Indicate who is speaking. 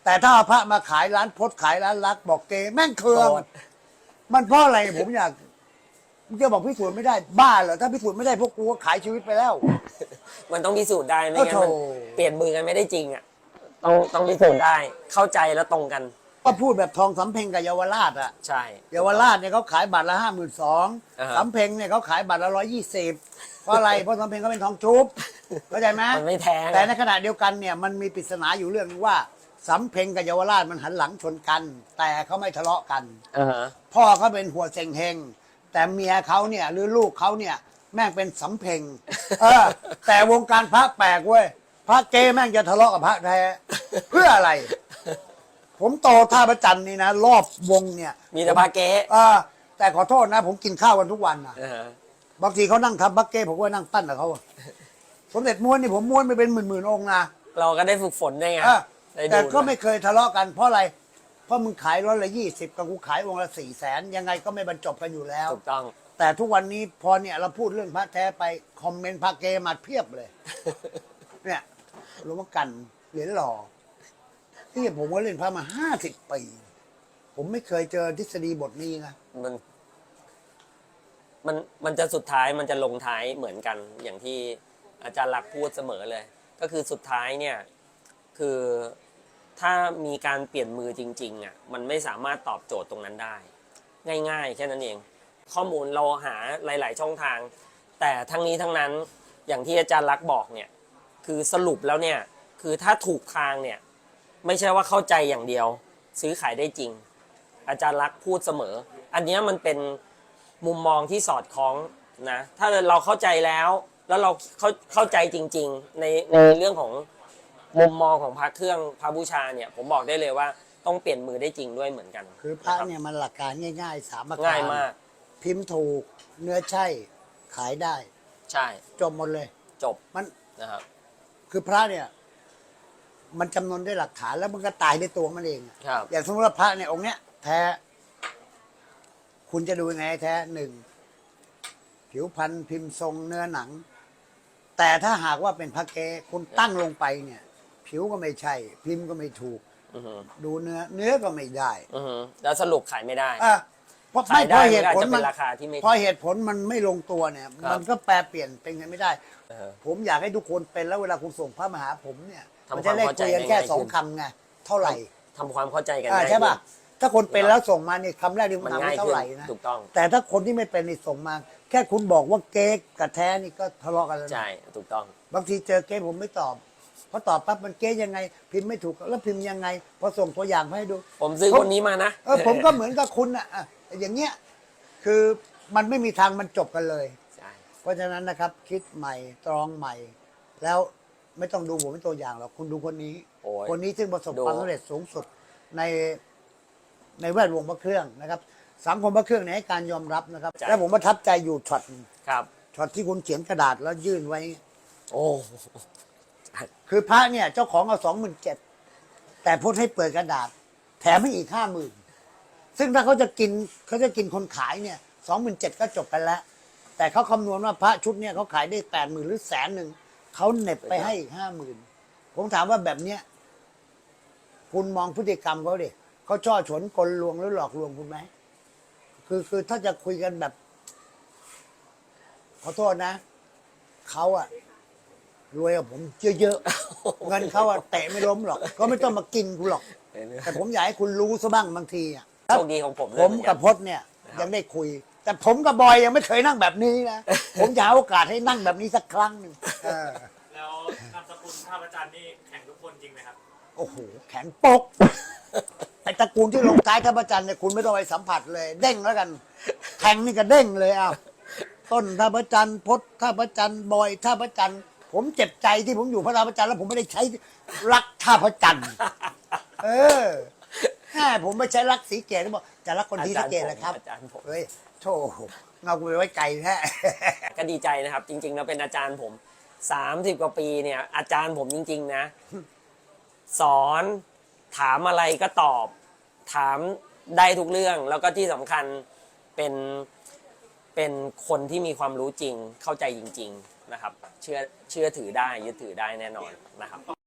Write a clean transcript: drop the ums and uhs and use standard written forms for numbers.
Speaker 1: แต่ถ้าเอาพระมาขายร้านพจน์ขายร้านรักบอกเกแม่งเคืองมันเพราะอะไรผมอยากมึงจะบอกพิสูจน์ไม่ได้บ้าเหรอถ้าพิสูจน์ไม่ได้พวกกูก็ขายชีวิตไปแล้ว
Speaker 2: มันต้องพิสูจน์ได้ไม่งั้น
Speaker 1: โอ้
Speaker 2: มัน
Speaker 1: โธ่
Speaker 2: เปลี่ยนมือกันไม่ได้จริงอ่ะต้องพิสูจน์ได้เข้าใจแล้วตรงกัน
Speaker 1: ก็พูดแบบทองสำเพ็งกับเยาวราชอะ
Speaker 2: ใช่
Speaker 1: เยาวราชเนี่ยเขาขายบัตรละ52,000
Speaker 2: อ่าฮะ
Speaker 1: สำเพ็งเนี่ยเขาขายบัตรละ120เพราะอะไรเพราะสำเพ็งเขาเป็นทองชุบเข้าใจไหม
Speaker 2: มันไม่แทง
Speaker 1: แต่ในขณะเดียวกันเนี่ยมันมีปริศนาอยู่เรื่องนึงว่าสำเพ็งกับเยาวราชมันหันหลังชนกัน แต่เขาไม่ทะเลาะกัน
Speaker 2: อ่าฮะ
Speaker 1: พ่อเขาเป็นหัวเซ็งเฮงแต่เมียเขาเนี่ยหรือลูกเขาเนี่ยแม่งเป็นสำเพ็งแต่วงการพระแปลกเว้ยพระเกแม่งจะทะเลาะกับพระแท้เพื่ออะไร ผมโตท่าพระจันทร์นี่นะรอบวงเนี่ย
Speaker 2: มีแต่พาเก๊
Speaker 1: แต่ขอโทษนะ ผมกินข้าวกันทุกวันนะ
Speaker 2: อ่าฮะ
Speaker 1: บางทีเขานั่งทำบักเก้ผมก็นั่งปั้นกับเขาอะสมเด็จม้วนนี่ผมม้วนไปเป็นหมื่นๆองค์นะ
Speaker 2: เราก็ได้ฝึกฝนได้ไง
Speaker 1: เออ
Speaker 2: ได้ดู
Speaker 1: แต่ก็ไม่เคยทะเลาะกันเพราะอะไร เพราะมึงขาย120กับกูขายองค์ละ400,000ยังไงก็ไม่บรรจบกันอยู่แล้ว
Speaker 2: ถูกต้อง
Speaker 1: แต่ทุกวันนี้พอเนี่ยเราพูดเรื่องพระแท้ไปคอมเมนต์พระเกมาเพียบเลย เนี่ยหลวงพ่อกันเหรียญหล่อที่ผมก็เล่นพระมา50 ปี ผมไม่เคยเจอทฤษฎีบทนี้นะ
Speaker 2: มันจะสุดท้ายมันจะลงท้ายเหมือนกัน อย่างที่อาจารย์ลักษณ์พูดเสมอเลย ก็คือสุดท้ายเนี่ยคือถ้ามีการเปลี่ยนมือจริงๆอ่ะมันไม่สามารถตอบโจทย์ตรงนั้นได้ ง่ายๆแค่นั้นเอง ข้อมูลเราหาหลายๆช่องทาง แต่ทั้งนี้ทั้งนั้นอย่างที่อาจารย์ลักษณ์บอกเนี่ยคือสรุปแล้วเนี่ยคือถ้าถูกทางเนี่ยไม่ใช่ว่าเข้าใจอย่างเดียว ซื้อขายได้จริง อาจารย์ลักษณ์พูดเสมอ อันเนี้ยมันเป็นมุมมองที่สอดคล้องนะถ้าเราเข้าใจแล้วเราเข้าใจจริงๆในเรื่องของมุมมองของพระเครื่องพระบูชาเนี่ยผมบอกได้เลยว่าต้องเปลี่ยนมือได้จริงด้วยเหมือนกัน
Speaker 1: คือพระเนี่ยมันหลักการง่ายๆ3ประการ
Speaker 2: ง่ายมาก
Speaker 1: พิมพ์ถูกเนื้อใช่ขายได้
Speaker 2: ใช่
Speaker 1: จบหมดเลย
Speaker 2: จบ
Speaker 1: มัน
Speaker 2: นะครับ
Speaker 1: คือพระเนี่ยมันจำนวนด้วยหลักฐานแล้วมันก็ตายในตัวมันเอง
Speaker 2: ครับ
Speaker 1: อย่างสมมติว่าพระเนี่ยองค์เนี้ยแท้ คุณจะดูยังไงแท้หนึ่งผิวพรรณพิมพ์ทรงเนื้อหนัง แต่ถ้าหากว่าเป็นพระเกคุณตั้งลงไปเนี่ย ผิวก็ไม่ใช่ พิมพ์ก็ไม่ถูก
Speaker 2: อือฮึ
Speaker 1: ดูเนื้อก็ไม่ได้
Speaker 2: อือฮึแล้วสรุปขายไม่ได้
Speaker 1: เพราะ
Speaker 2: ขายได้
Speaker 1: เหตุผล
Speaker 2: มันก็อาจจะเป็นราคาที่ไม่
Speaker 1: พอเหตุผลมันไม่ลงตัวเนี่ย
Speaker 2: ครับ
Speaker 1: มันก็แปลเปลี่ยนเป็นไงไม่ได้
Speaker 2: เออ
Speaker 1: ผมอยากให้ทุกคนเป็นแล้วเวลาคุณส่งพระมาหาผมเนี่ย
Speaker 2: ทำ
Speaker 1: มันจะได้
Speaker 2: ความเข้าใจ
Speaker 1: คุยกันแค่
Speaker 2: ง่ายๆ
Speaker 1: สอง
Speaker 2: ขึ้น
Speaker 1: คำไงเท่าไหร่
Speaker 2: ทำความเข้าใจกัน
Speaker 1: ใช่ป่ะ
Speaker 2: ขึ้น
Speaker 1: ถ้าคนเป็นแล้วส่งมาเนี่ยคำแรกที่ผม
Speaker 2: มัน
Speaker 1: ถาม
Speaker 2: ง่าย
Speaker 1: ว่าเท่า
Speaker 2: ขึ้น
Speaker 1: ไหร่นะ
Speaker 2: ถูกต้อง
Speaker 1: แต่ถ้าคนที่ไม่เป็นนี่ส่งมา แค่คุณบอกว่าเก๊กกับแท้นี่ก็ทะเลาะกันแล้วนะ
Speaker 2: ใช่ถูกต้อง
Speaker 1: บางทีเจอเก๊กผมไม่ตอบเพราะตอบปั๊บมันเก๊กยังไง พิมพ์ไม่ถูกแล้วพิมพ์ยังไงพอส่งตัวอย่างมาให้ดู
Speaker 2: ผมซื้อคนนี้มานะ
Speaker 1: ผมก็เหมือนกับคุณอ่ะอย่างเงี้ยคือมันไม่มีทางมันจบกันเลย
Speaker 2: ใช่
Speaker 1: เพราะฉะนั้นนะครับ คิดใหม่ตรองใหม่ แล้วไม่ต้องดูผมเป็นตัวอย่างหรอกคุณดูคนนี้
Speaker 2: โอ้ย
Speaker 1: คนนี้ซึ่งประสบ
Speaker 2: ดู
Speaker 1: ความสำเร็จสูงสุดในแวดวงพระเครื่องนะครับ สังคมพระเครื่องเนี่ยให้การยอมรับนะครับ และผมประทับใจอยู่ช็อตหนึ่ง
Speaker 2: ครับ
Speaker 1: ช็อตที่คุณเขียนกระดาษแล้วยื่นไว้
Speaker 2: โอ้
Speaker 1: คือพระเนี่ยเจ้าของเอา27,000แต่พูดให้เปิดกระดาษ แถมให้อีก50,000ซึ่งถ้าเขาจะกินคนขายเนี่ย27,000ก็จบกันแล้ว แต่เขาคำนวณว่าพระชุดเนี่ยเขาขายได้80,000หรือ100,000เขาเหน็บไปให้อีก50,000ผมถามว่าแบบเนี้ยคุณมองพฤติกรรมเขาดิเขาช่อฉนกลลวงหรือหลอกลวงคุณไหมคือถ้าจะคุยกันแบบ ขอโทษนะเขาอะรวยกับผมเยอะๆ เงินเขาอะเตะไม่ล้มหรอกก็ไม่ต้องมากินคุณหรอก แต่ผมอยากให้คุณรู้ซะบ้างบางทีอะ
Speaker 2: โชคดีของผมด้วย
Speaker 1: ผม
Speaker 2: เหมือน
Speaker 1: กับพจน์เนี่ยยังได้คุย แต่ผมกับบอยยังไม่เคยนั่งแบบนี้นะ ผมจะหาโอกาสให้นั่งแบบนี้สักครั้งหนึ่ง
Speaker 3: แล้วนามสกุลท่าพระจันทร์นี่แข่งทุกคนจริงไหมครับ
Speaker 1: โอ้โหแข็งปกไอ้ตระกูลที่ลงท้ายท่าพระจันทร์เนี่ยคุณไม่ต้องไปสัมผัสเลย เด้งแล้วกันแทงนี่ก็เด้งเลยอ้าวต้นท่าพระจันทร์พจน์ท่าพระจันทร์บอยท่าพระจันทร์ผมเจ็บใจที่ผมอยู่พระท่าพระจันทร์แล้วผมไม่ได้ใช้รักท่าพระจันทร์แค่ผมไม่ใช้รักสีเกตบอกจะรักคนที่สีเกตเลยครับ
Speaker 2: อาจารย์ผม
Speaker 1: เฮ้ยโธ่เงากูไปไว้ไกลแท้
Speaker 2: ก็ดีใจนะครับ จริงๆแล้วเป็นอาจารย์ผม30กว่าปีเนี่ย อาจารย์ผมจริงๆนะ สอนถามอะไรก็ตอบ ถามได้ทุกเรื่อง แล้วก็ที่สำคัญเป็นคนที่มีความรู้จริงเข้าใจจริง ๆนะครับ เชื่อถือได้ยึดถือได้แน่นอนนะครับ